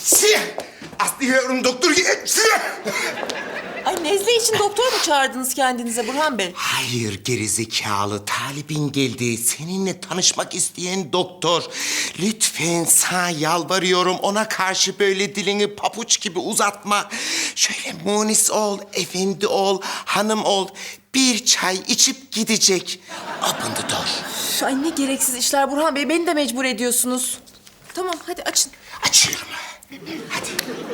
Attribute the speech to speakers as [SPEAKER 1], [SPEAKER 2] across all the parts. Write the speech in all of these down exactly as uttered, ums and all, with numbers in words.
[SPEAKER 1] Siyah! Aslı yavrum doktor gel. Siyah!
[SPEAKER 2] Ay nezle için doktor mu çağırdınız kendinize Burhan Bey?
[SPEAKER 1] Hayır gerizekalı talibin geldi. Seninle tanışmak isteyen doktor. Lütfen sana yalvarıyorum ona karşı böyle dilini papuç gibi uzatma. Şöyle munis ol, efendi ol, hanım ol. Bir çay içip gidecek. Open the door.
[SPEAKER 2] Üf, Ay ne gereksiz işler Burhan Bey. Beni de mecbur ediyorsunuz. Tamam hadi açın.
[SPEAKER 1] Açıyorum. Hadi.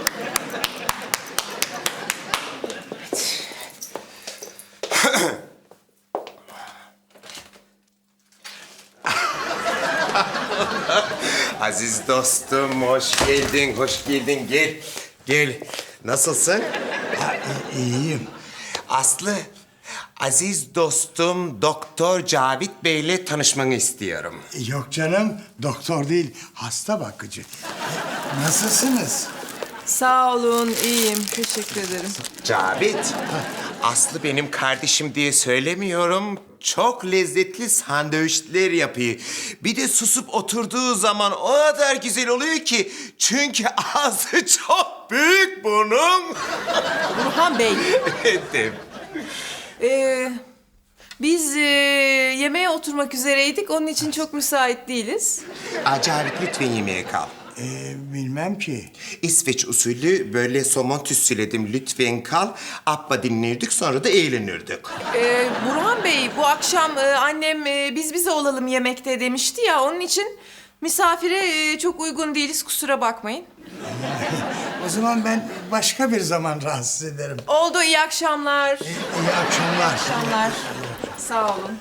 [SPEAKER 1] Aziz dostum, hoş geldin, hoş geldin. Gel, gel. Nasılsın?
[SPEAKER 3] Ha, i- iyiyim.
[SPEAKER 1] Aslı, aziz dostum Doktor Cavit Bey'le tanışmanı istiyorum.
[SPEAKER 3] Yok canım, doktor değil, hasta bakıcı. Nasılsınız?
[SPEAKER 2] Sağ olun iyiyim. Teşekkür ederim.
[SPEAKER 1] Cavit, Aslı benim kardeşim diye söylemiyorum. Çok lezzetli sandviçler yapıyor. Bir de susup oturduğu zaman o kadar güzel oluyor ki. Çünkü ağzı çok büyük bunun.
[SPEAKER 2] Burhan Bey.
[SPEAKER 1] Evet.
[SPEAKER 2] Ee, biz e, yemeğe oturmak üzereydik. Onun için çok müsait değiliz.
[SPEAKER 1] Aa, Cavit lütfen yemeğe kal.
[SPEAKER 3] Ee, bilmem ki.
[SPEAKER 1] İsveç usulü böyle somon tütsüledim. Lütfen kal. Abba dinlerdik sonra da eğlenirdik.
[SPEAKER 2] Ee, Burhan Bey bu akşam e, annem e, biz bize olalım yemekte demişti ya. Onun için misafire e, çok uygun değiliz kusura bakmayın.
[SPEAKER 3] O zaman ben başka bir zaman rahatsız ederim.
[SPEAKER 2] Oldu iyi akşamlar.
[SPEAKER 3] İyi akşamlar.
[SPEAKER 2] akşamlar. Sağ olun.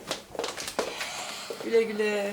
[SPEAKER 2] Güle güle.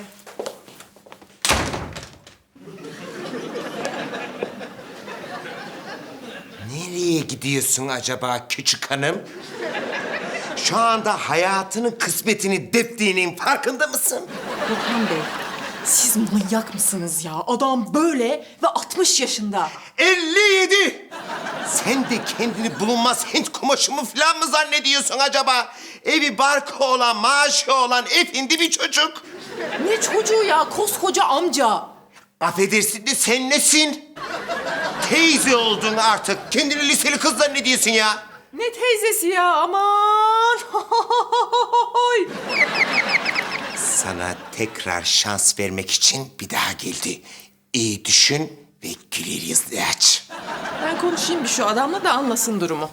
[SPEAKER 1] Nereye gidiyorsun acaba küçük hanım? Şu anda hayatının kısmetini deptiğinin farkında mısın?
[SPEAKER 2] Burhan Bey siz manyak mısınız ya? Adam böyle ve altmış yaşında.
[SPEAKER 1] elli yedi! Sen de kendini bulunmaz Hint kumaşı mı falan mı zannediyorsun acaba? Evi barkı olan, maaşı olan efendi bir çocuk.
[SPEAKER 2] Ne çocuğu ya koskoca amca.
[SPEAKER 1] Affedersin de sen nesin? Teyze oldun artık. Kendini liseli kız zannediyorsun ya.
[SPEAKER 2] Ne teyzesi ya aman.
[SPEAKER 1] Sana tekrar şans vermek için bir daha geldi. İyi düşün ve güler yüzle aç.
[SPEAKER 2] Ben konuşayım bir şu adamla da anlasın durumu.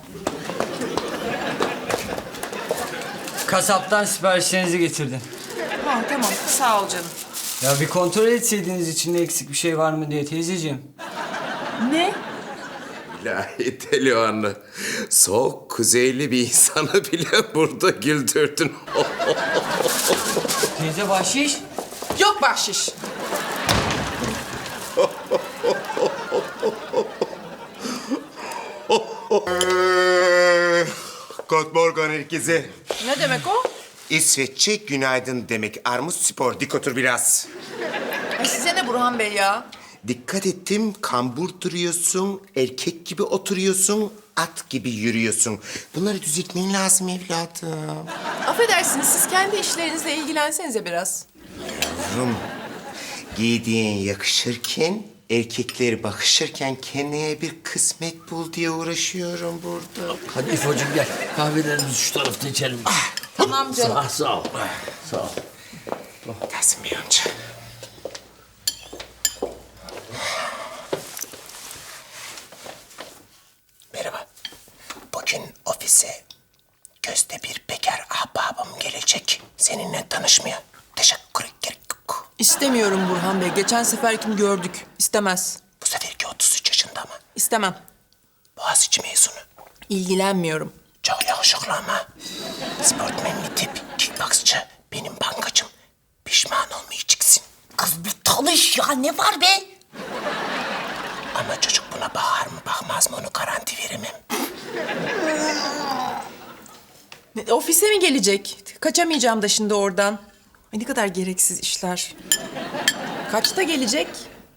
[SPEAKER 4] Kasaptan siparişlerinizi getirdim.
[SPEAKER 2] Ha tamam sağ ol canım.
[SPEAKER 4] Ya bir kontrol etseydiniz içinde eksik bir şey var mı diye teyzeciğim.
[SPEAKER 2] Ne?
[SPEAKER 1] İlahi Telioğan'ı. Soğuk, kuzeyli bir insanı bile burada güldürdün.
[SPEAKER 4] Teyze bahşiş.
[SPEAKER 2] Yok bahşiş.
[SPEAKER 1] Good morgen herkese.
[SPEAKER 2] Ne demek o?
[SPEAKER 1] İsveççe günaydın demek. Armut spor, dik otur biraz.
[SPEAKER 2] Ay size ne Burhan Bey ya?
[SPEAKER 1] Dikkat ettim, kambur duruyorsun, erkek gibi oturuyorsun, at gibi yürüyorsun. Bunları düzeltmen lazım evladım.
[SPEAKER 2] Affedersiniz siz kendi işlerinizle ilgilensenize biraz.
[SPEAKER 1] Yavrum, giydiğin yakışırken, erkekler bakışırken kendine bir kısmet bul diye uğraşıyorum burada.
[SPEAKER 5] Hadi İfo'cum gel. Kahvelerimizi şu tarafta içelim.
[SPEAKER 2] Tamam canım.
[SPEAKER 5] Ah, sağ ol. Sağ ol.
[SPEAKER 1] Tahsin Bey amca. Merhaba. Bugün ofise gözde bir bekar ahbabım gelecek. Seninle tanışmaya. Teşekkür ederim.
[SPEAKER 2] İstemiyorum Burhan Bey. Geçen seferkini gördük. İstemez.
[SPEAKER 1] Bu seferki otuz üç yaşında mı?
[SPEAKER 2] İstemem.
[SPEAKER 1] Boğaziçi mezunu.
[SPEAKER 2] İlgilenmiyorum.
[SPEAKER 1] Çok yakışıklı ama. Sportmenli tip, kickboksçı, benim bankacım. Pişman olmayacaksın.
[SPEAKER 6] Kız bir tanış ya ne var be?
[SPEAKER 1] Ama çocuk buna bakar mı bakmaz mı onu garanti veremem.
[SPEAKER 2] Ne, ofise mi gelecek? Kaçamayacağım da şimdi oradan. Ay ne kadar gereksiz işler. Kaçta gelecek?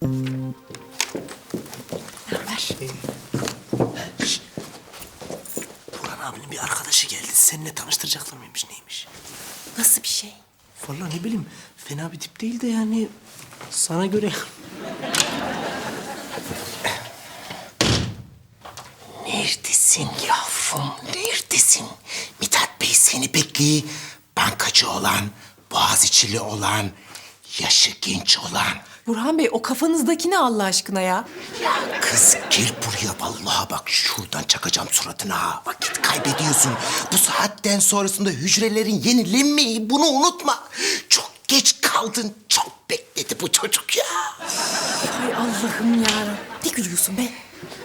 [SPEAKER 5] Burhan abinin bir arkadaşı geldi. Seninle tanıştıracaklar mıymış neymiş?
[SPEAKER 6] Nasıl bir şey?
[SPEAKER 5] Vallahi ne bileyim. Fena bir tip değil de yani sana göre.
[SPEAKER 1] Neredesin yavrum, neredesin? Mithat Bey seni bekliyor. Bankacı olan, Boğaziçi'li olan, yaşı genç olan.
[SPEAKER 2] Burhan Bey o kafanızdaki ne Allah aşkına ya?
[SPEAKER 1] Ya kız gel buraya vallahi bak şuradan çakacağım suratına ha. Vakit kaybediyorsun. Bu saatten sonrasında hücrelerin yenilenmeyi bunu unutma. Çok geç kaldın, çok bekledi bu çocuk ya.
[SPEAKER 2] Ay Allah'ım ya. Ne gülüyorsun be?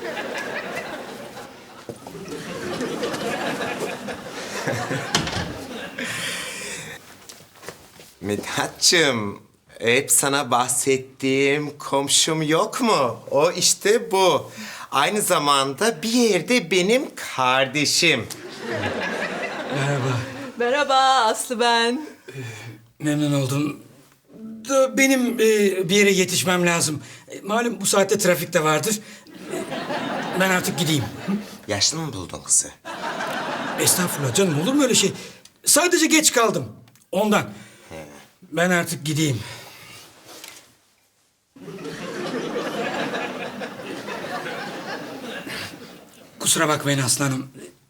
[SPEAKER 1] Mithatçığım, hep sana bahsettiğim komşum yok mu? O işte bu. Aynı zamanda bir yerde benim kardeşim.
[SPEAKER 4] Merhaba.
[SPEAKER 2] Merhaba Aslı ben.
[SPEAKER 4] Memnun oldum. Da benim e, bir yere yetişmem lazım. E, malum bu saatte trafik de vardır. E, ben artık gideyim.
[SPEAKER 1] Yaşlı mı buldun kızı?
[SPEAKER 4] Estağfurullah canım, olur mu öyle şey? Sadece geç kaldım. Ondan. Ben artık gideyim. Kusura bakmayın aslanım.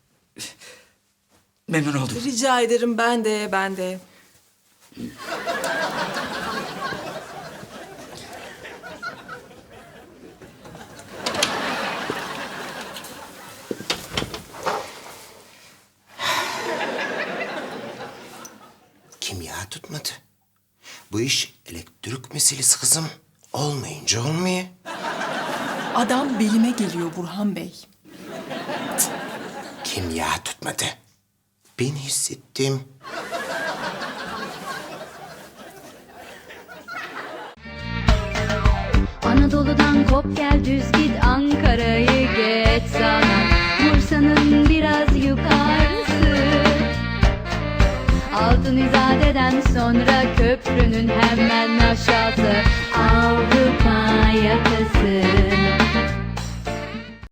[SPEAKER 4] Memnun oldum.
[SPEAKER 2] Rica ederim ben de ben de.
[SPEAKER 1] Kimya tutmadı. Bu iş elektrik meselesi kızım. Olmayınca olmuyor.
[SPEAKER 2] Adam belime geliyor Burhan Bey.
[SPEAKER 1] Kimya tutmadı. Ben hissettim.
[SPEAKER 7] Anadolu'dan kop gel düz git Ankara'yı geç sana Bursa'nın biraz yukarısı Altın İzade'den sonra köprünün hemen aşağısı